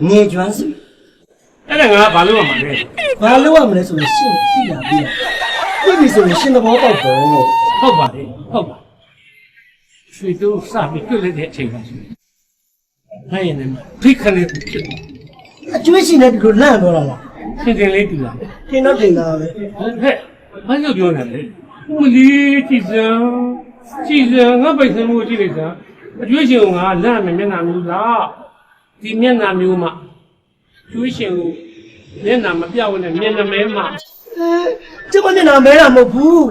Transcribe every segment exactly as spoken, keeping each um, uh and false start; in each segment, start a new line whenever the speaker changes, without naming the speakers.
ငယ်ကျွမ်းစု
အဲ့ဒါငါဘာလို့ရမှာလဲ
ဘာလို့ရမလဲဆိုရင်ရှင်းသိလာပြီသိပြီဆိုရင်ရှင်းသဘောပေါက်တော့
ဟုတ်ပါလေဟုတ်ပါရွှေတို့စပြီးတွေ့လိုက်တဲ့အချိန်ပါဆိုနိုင်ရင်လည်းဖိခနဲ့ဖြစ်
အကျွေးရှင်တဲ့ဒီလိုလန့်သွားတာလား
ထင်ထင်လေးတူလာ
ထင်တော့ထင်တာပဲ
ဟဲ့ဘာလို့ပြောနေလဲဦးလေးကြည်စံကြည်စံငါပိုက်ဆံမှုကြည့်လိုက်စမ်းအကျွေးရှင်ကငါလန့်မယ်မျက်နှာမျိုးလားဒီမျက်နှာမျိုးမှကျွေးရှင်ကိုမျက်နှာမပြောင်းနဲ့မျက်နှာမဲမှ
ကျမမျက်နှာမဲတာမဟုတ်ဘူး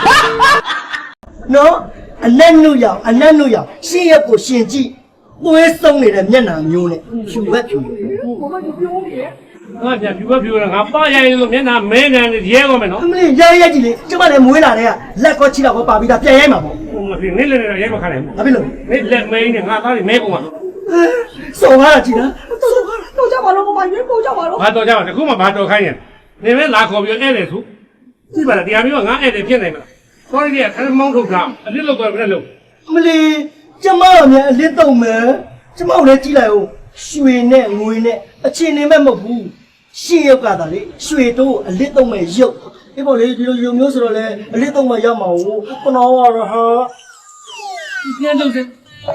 နော်အနက်နုရောက်အနက်နုရောက်ရှင်းရက်ကိုရှင်ကြည့်သွေးဆုံးနေတဲ့မျက်နှာမျိုးနဲ့ဖြူဘက်ဖြူ
ဘာမှပြောနေငါပြန်ဖြူဘက်ဖြူရငါပါရရင်လို့မျက်နှာမဲနေတယ်ရဲကောမယ်နော်
အမလေးရဲရဲကြည့်လေကျမလည်းမွေးလာတဲ့ကလက်ကောချီတော့ပါပြီးသားပြန်ရိုက်မှာပေါ့
ဟိုမဖြစ်နေလေနေရဲမခံနိုင်ဘူး
ဘာဖြစ်လို့
နေလက်မဲနေငါသားတွေမဲကုန်မှာ
စော်ကားတာကြည့်လား
တော့ကြပါလို့မမရွေးပို့ကြပါလို့
ဘာတော့ကြပါတခုမှဘာတော့ခိုင်းရင်နေမဲလာခေါ်ပြီးဧည့်တယ်ဆိုကြည့်ပါလားတရားမျိုးကငါဧည့်တယ်ဖြစ်နိုင်မလားခေါ်ရတဲ့ခဏမောင်းထုတ်တာအလစ်လောက်တော့ဘယ်နဲ့လို့
အမလေးကျမတို့မြန်အလစ်တော့မယ်ကျမတို့လည်းကြည့်လိုက်ဦးရွှေနဲ့ငွေနဲ့အချင်းနေမဲ့မဟုတ်ဘူးရှင်းရုပ်ကသာလေရွှေတို့အလစ်တော့မဲ့ရုပ်အေးပေါ့လေဒီလိုရုပ်မျိုးဆိုတော့လေအလစ်တော့မဲ့ရမှာဟုတ်ခဏတော့ဟာ
ပြန်လို့စ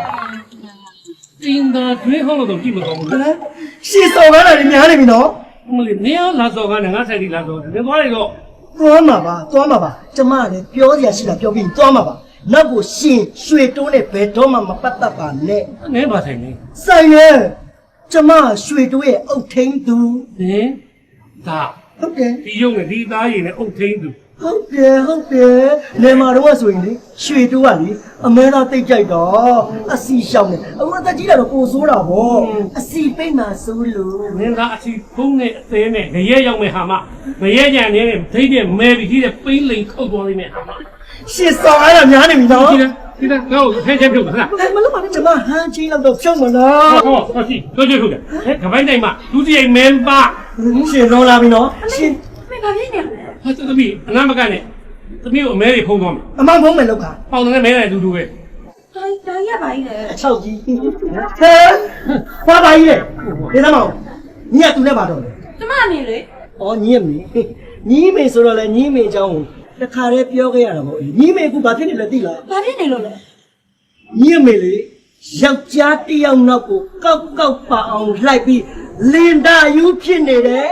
တင်းသားတွေးဟောလို့တော့ကြည့်မကောင်းဘူး
ရှင်းစော်ကားတာလည်းများနေပြီနော်
မလေးနေရလာစော်ကားနဲ့ငါဆိုင်ဒီလာစော်တယ်သွားလိုက်တော့
သွားမှာပါသွားမှာပါကျမလည်းပြောစရာရှိတာပြောပြီးသွားမှာပါနောက်ကိုရှင်ရွှေတိုးနဲ့ဘယ်တော့မှမပတ်သက်ပါနဲ့
နင်းပါဆိုင်နေ
ဆိုင်ရဲ့ကျမရွှေတိုးရဲ့အုတ်ထင်းသူ
ဟင်ဒါ
ဟုတ်တယ်
ဒီရုပ်နဲ့ဒီသားရည်နဲ့အုတ်ထင်းသူ
ဟုတ်တယ်ဟုတ်တယ်နေမှာတော့ဆိုရင်လေရွှေတိုးကလေအမဲသားတိတ်ကြိုက်တော့အစီရှောင်းနေအခုအသက်ကြီးလာတော့ကိုဆိုးတာဗောအစီပိတ်မှဆိုးလို့
နင်းသားအစီဖုံးနဲ့အသေးနဲ့ငရဲရောက်မဲ့ဟာမငရဲကြံနေနဲ့ဒိတ်တဲ့မဲပြီးကြီးတဲ့ပိန်းလိန်ခုတ်သွားလိမ့်မယ်ဟာမ
ရှင်းစော်အဲ့ဒါများနေပြီနော်
ဒီလားဒီလားငါ့ကိုဖမ်းချက်ပြုတ်မလား
မလို့ပါနဲ့ကျမဟန်းချင်းလောက်တော့ဖြုတ်မလား
ဟောဟောရှိတို့ကျွတ်ထုတ်တယ်ဟဲ့ကပိုင်းတိုင်းမှာဒုတိယမင်းပါ
ရှင်းလုံးလာပြီနော်ရှင်း
မင်းဘာဖြစ်နေလဲ
ဟာသမီးအနာမကနဲ့သမီးကိုအမဲတွေဖုံးသွားမယ်
အမောင်ဖုံးမယ်လောက်က
ပေါင်နဲ့မဲတယ်တူတူပဲ
ဒါဒါရပါကြီးလေ
အချောက်ကြီးဟဲဘာပါကြီးလေဒီသမောင်ညီကသူနဲ့ပါတော့လေ
ကျမနေလေ
ဩညီရမေညီမေဆိုတော့လေညီမေအကြောင်းတခါတည်းပြောခဲ့ရတာပေါ့ညီမေကဘာဖြစ်နေလဲသိလား
ဘာဖြစ်နေလို့လဲ
ညီမေလေယောက်ျားတယောက်နောက်ကိုကောက်ကောက်ပါအောင်လိုက်ပြီးလင်တာယူဖြစ်နေတယ်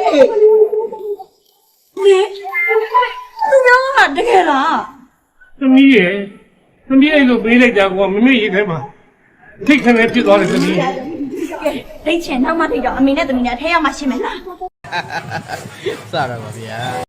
မေသူပြောတာတကယ်လား
သမီးရဲ့သမီးအဲ့လိုပေးလိုက်တာကမမေ့ရေးထဲမှာထိတ်ခနဲ့ဖြစ်သွားတယ်သမီး
ကဲဒိတ်ချင်နောက်မှထိတော့အမေနဲ့သမီးနဲ့အထဲရောက်မှရှင်းမယ်လား
စရပါဗျာ